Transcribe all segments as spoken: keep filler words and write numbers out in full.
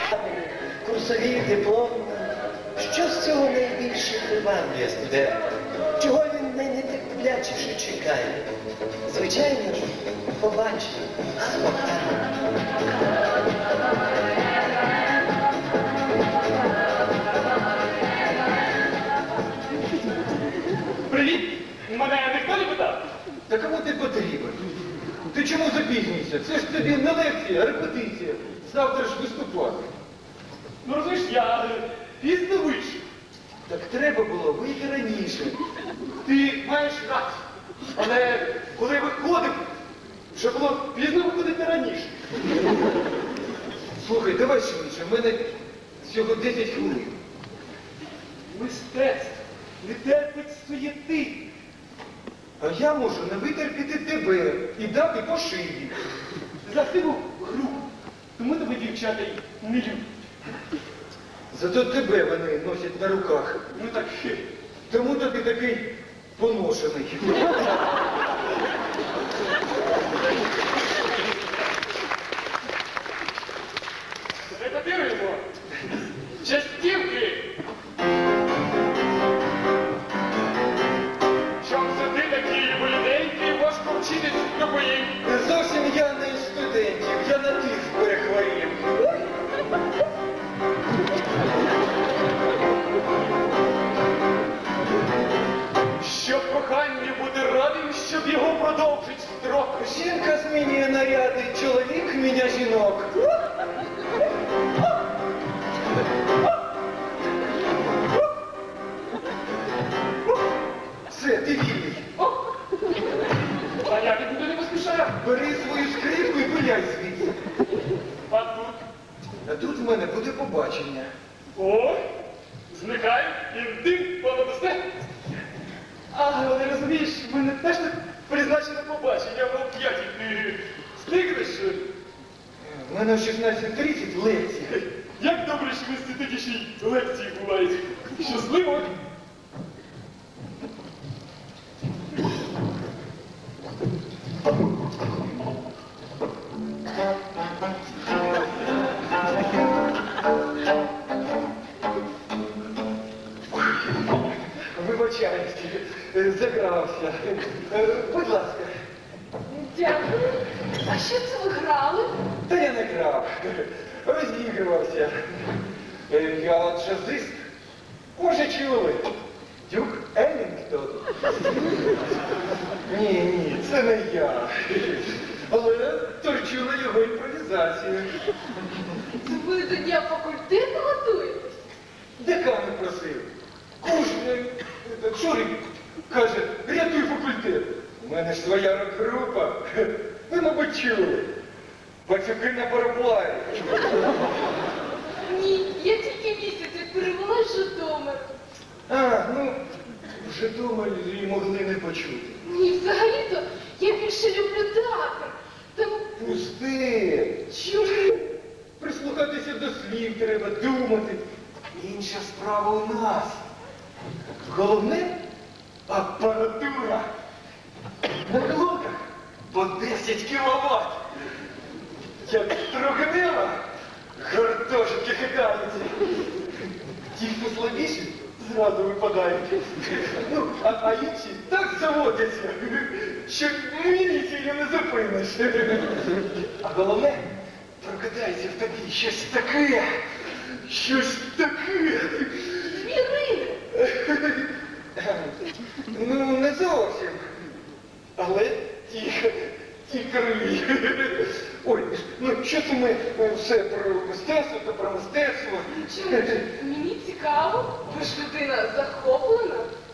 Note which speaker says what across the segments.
Speaker 1: Курсові, диплом. Що з цього найбільше приваблює студента? Чого він найнетерплячіше чекає? Звичайно ж, побачення з Богданом.
Speaker 2: Привіт! Мене ніхто не питав?
Speaker 3: Та кому ти потрібен? Ти чому запізнюєшся? Це ж тобі не лекція, а репетиція. Завтра ж виступати.
Speaker 2: Ну розумієш, я пізно вийшов.
Speaker 3: Так треба було вийти раніше.
Speaker 2: Ти маєш рацію. Але коли виходив, вже було пізно виходити раніше.
Speaker 3: Слухай, давай швидше, в мене всього десять хвилин.
Speaker 2: Мистецтво не терпить суєти.
Speaker 3: А я можу не витерпіти тебе і дати по шиї.
Speaker 2: За силу гру. Тому тебе дівчата й не люблять.
Speaker 3: Зато тебе вони носять на руках.
Speaker 2: Ну так хе.
Speaker 3: Тому тобі такий поношений.
Speaker 2: Репетируємо. Частівки. Чом це ти такий воліденький, важко вчитись любої.
Speaker 3: Зовсім я не із студентів, я на тих перехворів.
Speaker 2: Щоб коханню бути радим, щоб його продовжить строк.
Speaker 3: Жінка змінює наряди, чоловік міня жінок. Все, ти вільний.
Speaker 2: А я нікуди не поспішаю.
Speaker 3: Бери свою скрипку і пиляй звідси.
Speaker 2: А тут?
Speaker 3: А тут в мене буде побачення.
Speaker 2: О, зникаю і дим понадосте. А, але розумієш, в мене теж так призначено побачення, в п'ятій ти встигнеш?
Speaker 3: В мене в шістнадцять тридцять лекція.
Speaker 2: Як добре, що в інституті ще й лекції бувають. Щасливо!
Speaker 3: Вибачаюсь, загрався. Будь ласка.
Speaker 4: Дякую. А що це ви грали?
Speaker 3: Та я не грав. Розігрувався. Я джазист. Може, чули? Дюк Еллінгтон. Ні, ні, це не я. Але торчу на його імпровізацію.
Speaker 4: Це ви до дня факультету готуєтесь?
Speaker 3: Декан просив. Кужний, Шурик, каже, рятуй факультет. У мене ж своя рок-група. Ви, мабуть, чули. Пацюки на параплаві.
Speaker 4: Ні, я тільки місяць як перевелась в Житомир.
Speaker 3: А, ну, в Житомирі могли не почути.
Speaker 4: Ні, взагалі-то я більше люблю театр. Там
Speaker 3: Пусти.
Speaker 4: чому?
Speaker 3: Прислухатися до слів треба, думати. Інша справа у нас. Головне – апаратура. На блоках по десять кіловат. Як строгнева, гуртожитки хитаються. Ті, хто слабіші, зразу випадають. Ну, а, а інші так заводяться, що міліцію не зупиниш. А головне, прокидається в тобі щось таке, щось таке.
Speaker 4: Звірини.
Speaker 3: Ну, не зовсім. Але ті, ті криві. Ой, ну що це ми е, все про мистецтво, то про мистецтво.
Speaker 4: Чому? Мені цікаво, ви ж людина захоплена.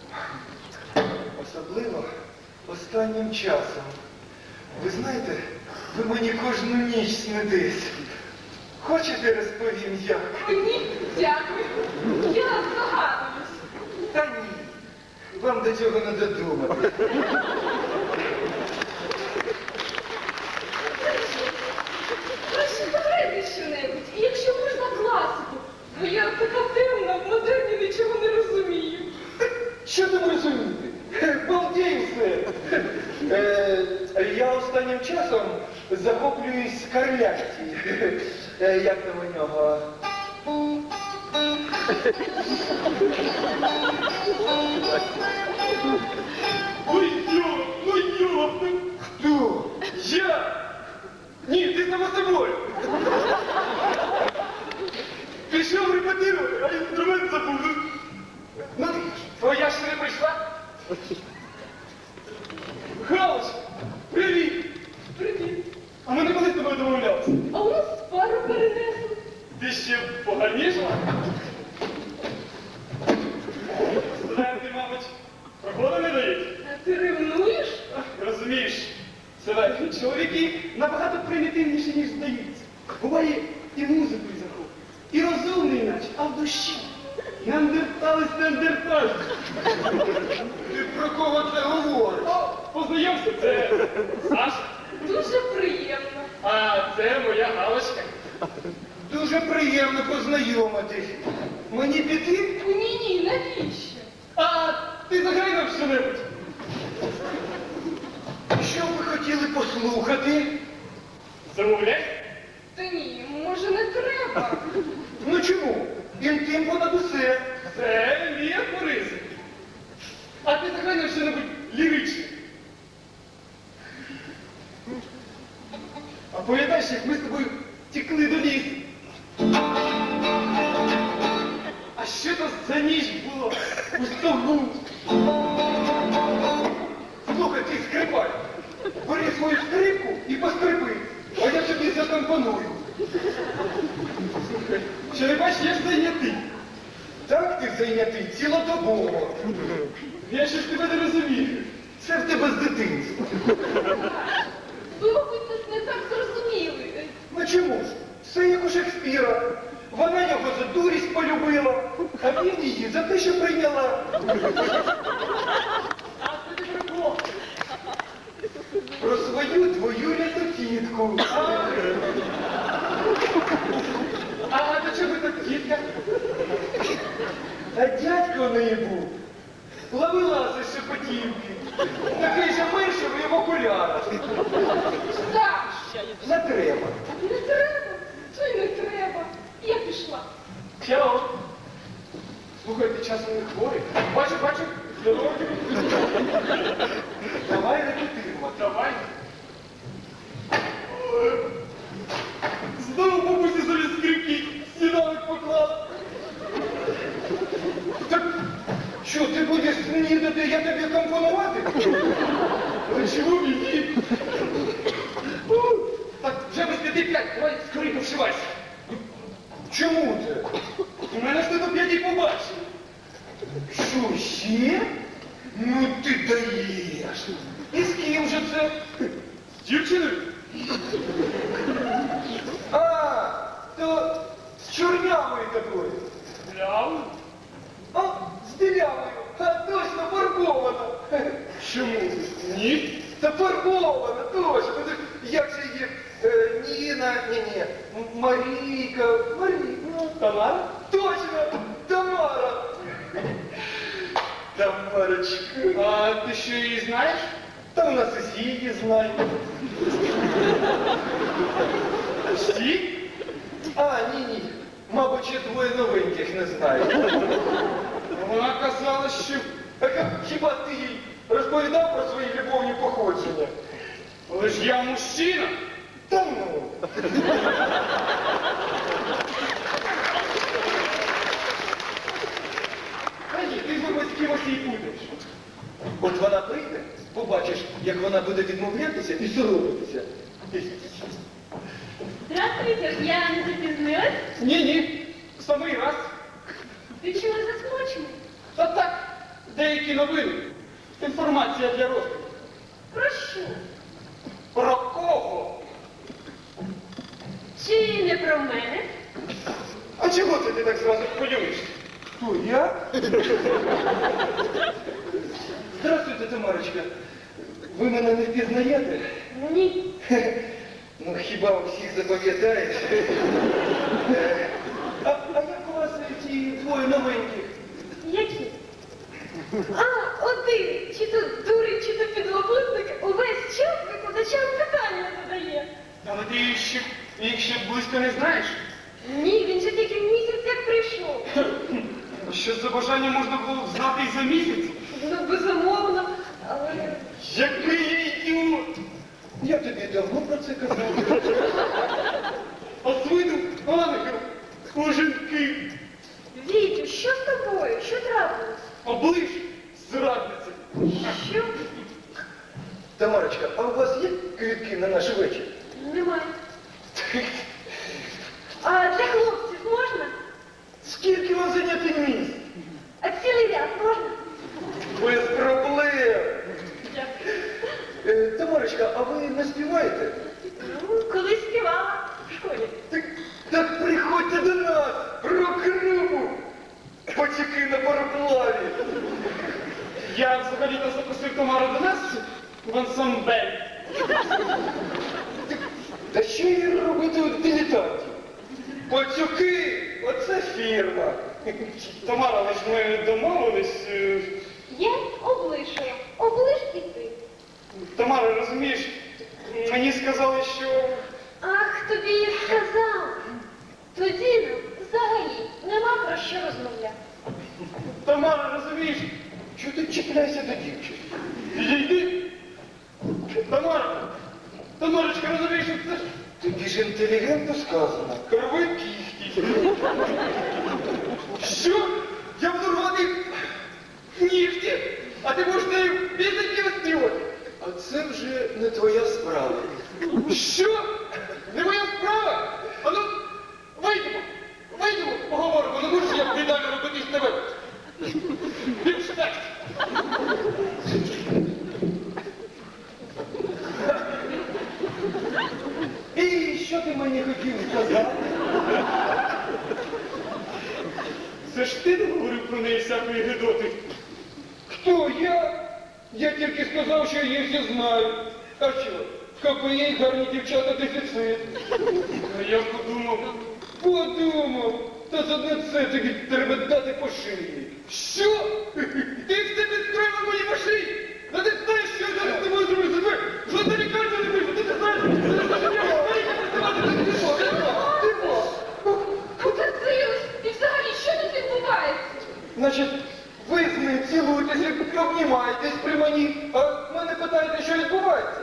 Speaker 3: Особливо останнім часом. Ви знаєте, ви мені кожну ніч снитесь. Хочете розповім як?
Speaker 4: Ні, дякую. Я здогадуюсь.
Speaker 3: Та ні. Вам до цього не додумати.
Speaker 4: Краще пограйте що-небудь, і якщо можна класику, бо я така темна, в модерні нічого не розумію.
Speaker 3: Що там розуміти? Балдій все. Е, я останнім часом захоплююсь Скарлятті. Е, як там у нього?
Speaker 2: Ой, йо, ну йопну.
Speaker 3: Хто?
Speaker 2: Я? Ні, ти само собою. Пішов репетирувати, а інструмент забув.
Speaker 3: Ну,
Speaker 2: Твоя ж не прийшла? Галич, привіт! Привіт! А ми не коли з тобою домовлялися?
Speaker 4: А у нас пару перенесли.
Speaker 2: Ти ще поганіша? Студенти, мабуть, проходу не дають?
Speaker 4: А ти ревнуєш?
Speaker 2: Розумієш, Север, чоловіки набагато примітивніші, ніж здаються. Буває і музикою захоплюють, і розумний наче, а в душі. Неандерталець неандерталець.
Speaker 3: Ти про кого це говориш?
Speaker 2: О, познайомся, це Саша,
Speaker 4: Дуже приємно.
Speaker 2: а це моя Галочка.
Speaker 3: Дуже приємно познайомитись. Мені піти?
Speaker 4: Ні-ні, навіщо?
Speaker 2: А ти заграй нам що-небудь.
Speaker 3: Що ви хотіли послухати?
Speaker 2: Замовляй.
Speaker 4: Та ні, може не треба.
Speaker 3: Ну чому? Інтим понад усе.
Speaker 2: Це мій афоризм. А ти заграй нам що-небудь ліричне. А пам'ятаєш, як ми з тобою тікли до лісу? А що то за ніч було у стогу?
Speaker 3: Слухай, ти скрипаль. Бери свою скрипку і поскрипи, а я тобі закомпоную.
Speaker 2: Слухай, що не бачиш, я ж зайнятий.
Speaker 3: Так ти зайнятий цілодобово.
Speaker 2: Я ще ж тебе не розумію.
Speaker 3: Це в тебе з дитинства.
Speaker 4: Ви, мабуть, нас не так зрозуміли.
Speaker 3: Ну чому ж? Все як у Шекспіра. Вона його за дурість полюбила, а він її за те, що прийняла.
Speaker 2: А це ти про кого?
Speaker 3: Про свою твою тітку.
Speaker 2: А до чого так тітка?
Speaker 3: А дядько в неї був. Ловеласи Шепетівки. Такий же мишевий в окулярах.
Speaker 4: Саш,
Speaker 3: Не треба.
Speaker 4: не треба. То й не треба. Я пішла.
Speaker 2: Чао. Слухай, ти часом не хворий? Бачу, бачу. Здорово.
Speaker 3: Давай репетируємо.
Speaker 2: Давай. Знову бабусі собі скрипки сніданок поклала.
Speaker 3: Так що, ти будеш снідати, я тобі компонувати?
Speaker 2: А чому мені? Так, вже без п'яти п'ять, давай скоренько вшивайся.
Speaker 3: Чому це?
Speaker 2: У мене ж ти до п'яті побачив.
Speaker 3: Що, ще? Ну ти даєш. І з ким же це?
Speaker 2: З дівчиною?
Speaker 3: А, то з чорнявою такою.
Speaker 2: Прямо?
Speaker 3: А, з білявою. А, точно, фарбована.
Speaker 2: Чому? Ні.
Speaker 3: Та фарбована, точно. Ну, так як же її? Е, Ніна, ні-ні, М- Марійка, Марійка.
Speaker 2: Тамара?
Speaker 3: Точно, Тамара. Тамарочка.
Speaker 2: А ти що її знаєш?
Speaker 3: Та у нас усі її знають.
Speaker 2: Всі?
Speaker 3: А, ні-ні. Мабуть, ще двоє новеньких не знають.
Speaker 2: Вона казала, що...
Speaker 3: А ха- хіба ти їй розповідав про свої любовні походження?
Speaker 2: Але ж я мужчина.
Speaker 3: Та ну.
Speaker 2: Та ні, ти думаєш, з кимось її путаєш.
Speaker 3: От вона прийде, побачиш, як вона буде відмовлятися і соромитися.
Speaker 4: Здравствуйте, я не запізнилась.
Speaker 2: Ні-ні, самий раз.
Speaker 4: Ти чого засмучений?
Speaker 2: Та так, деякі новини. Інформація для розвитку.
Speaker 4: Про що?
Speaker 2: Про кого?
Speaker 4: Чи не про мене?
Speaker 2: А чого це ти так зразу хвилюєшся?
Speaker 3: Хто, я? Здравствуйте, Тамарочка. Ви мене не впізнаєте?
Speaker 4: Ні.
Speaker 3: Ну, хіба у всіх запам'ятаєш? Е, А, а як у вас ті двоє новеньких?
Speaker 4: Які? А, один, чи то дурень, чи то підлабузник, увесь час викладачам питання задає.
Speaker 2: Але ти їх ще, їх ще близько не знаєш. що за бажання можна було б знати і за місяць.
Speaker 4: Ну, безумовно, але...
Speaker 2: Який я ідіот!
Speaker 1: Я тобі давно про це казав.
Speaker 2: А з виду ангел у жінки.
Speaker 4: Вітю, що з тобою? Що трапилось?
Speaker 2: Оближ, зрадниця.
Speaker 4: Що?
Speaker 1: Тамарочка, а у вас є квітки на наш вечір?
Speaker 4: Немає. А для хлопців можна?
Speaker 1: Скільки вам зайняти місць?
Speaker 4: А цілий ряд можна?
Speaker 1: Без проблем.
Speaker 4: Дякую.
Speaker 1: Е, Тамарочка, а ви не співаєте?
Speaker 4: Ну, колись співала в школі.
Speaker 1: Так, так приходьте до нас, рок-групу. Потіки на пароплаві.
Speaker 2: Я взагалі-то запросив Тамару до нас в ансамбль.
Speaker 1: Та що їй робити у дилетантів? Пацюки, оце фірма.
Speaker 2: Тамара, але ж ми домовились. е,
Speaker 4: Я облишила. Облиш і ти.
Speaker 2: Тамара, розумієш, мені сказали, що...
Speaker 4: Ах, тобі я сказала. Тоді нам взагалі нема про що розмовляти.
Speaker 2: Тамара, розумієш,
Speaker 1: Чого ти чіпляєшся до дівчини?
Speaker 2: підійди. Тамара, Тамарочка, розумієш, що це ж
Speaker 1: Тобі ж інтелігентно сказано.
Speaker 2: крови кіхті. Що? Я буду рвати нігті, а ти будеш нею пісеньки виспівати.
Speaker 1: А це вже не твоя справа.
Speaker 2: Що? Не моя справа? А ну, вийдемо, вийдемо, поговоримо. Ну будеш я віддалі робити з тебе. Більш так.
Speaker 1: І що ти мені хотів сказати?
Speaker 2: Це ж ти не говорив про неї всякої гидоти.
Speaker 3: Хто я? Я тільки сказав, що їх всі знаю. А що? В КПІ гарні дівчата дефіцит.
Speaker 2: А я подумав,
Speaker 3: Подумав, та за одне це тобі треба дати по шиї.
Speaker 2: що? Ти все підстроїв мені по шиї? Та ти знаєш, що я зараз з тобою зроблю себе? Жодна лікарня не вийшла, ти не знаєш, що це за життя? Маріка, працювати, ти не можеш, ти не можеш.
Speaker 4: Потерпілась. І взагалі, що тут відбувається?
Speaker 3: Значить, ви з ним цілуєтеся, обнімаєтесь при мені, а мене питаєте, що відбувається.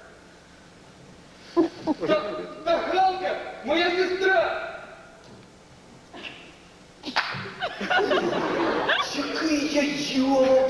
Speaker 2: Та, та Галка, моя сестра!
Speaker 1: Який я йолоп!